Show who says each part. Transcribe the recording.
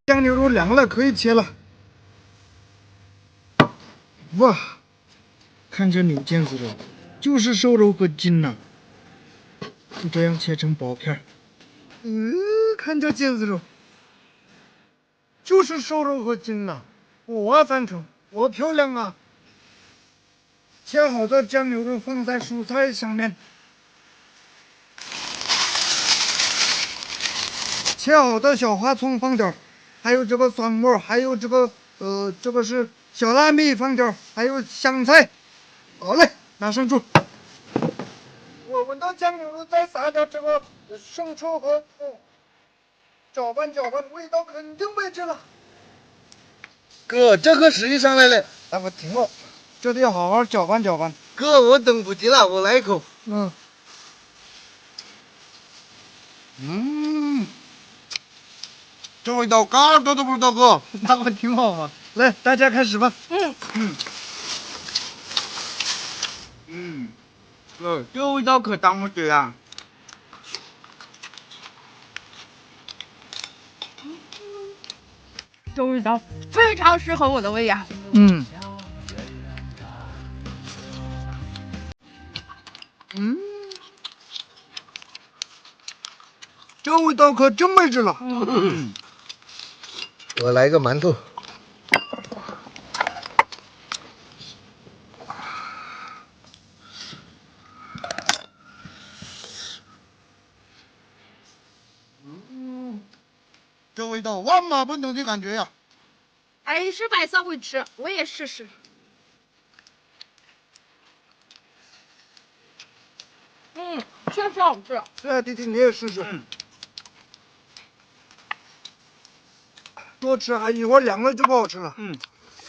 Speaker 1: 酱牛肉凉了，可以切了。哇，看这牛腱子肉，就是瘦肉和筋呐、就这样切成薄片儿。看这腱子肉，就是瘦肉和筋呐、我赞成，我漂亮啊！切好的酱牛肉放在蔬菜上面，切好的小花葱放点儿，还有这个蒜末，还有这个这个是小辣米放点儿，还有香菜。好嘞，拿上桌。我闻到酱牛肉，再撒点这个生抽和搅拌搅拌，味道肯定没这了。
Speaker 2: 哥，这可时机上来了，
Speaker 1: 大哥停了，这得要好好搅拌搅拌。
Speaker 2: 哥，我等不及了，我来一口。这味道嘎多都不知道，哥。
Speaker 1: 大哥挺好啊。来，大家开始吧。
Speaker 2: 哥，这味道可当不起啊。
Speaker 3: 这味道非常适合我的胃呀。
Speaker 1: 这味道可真没治了。
Speaker 2: 我来个馒头。
Speaker 1: 这味道万马奔腾的感觉呀！
Speaker 3: 哎，是白色会吃，我也试试。确实好吃。
Speaker 1: 对，弟弟你也试试。多吃，一会儿凉了就不好吃了。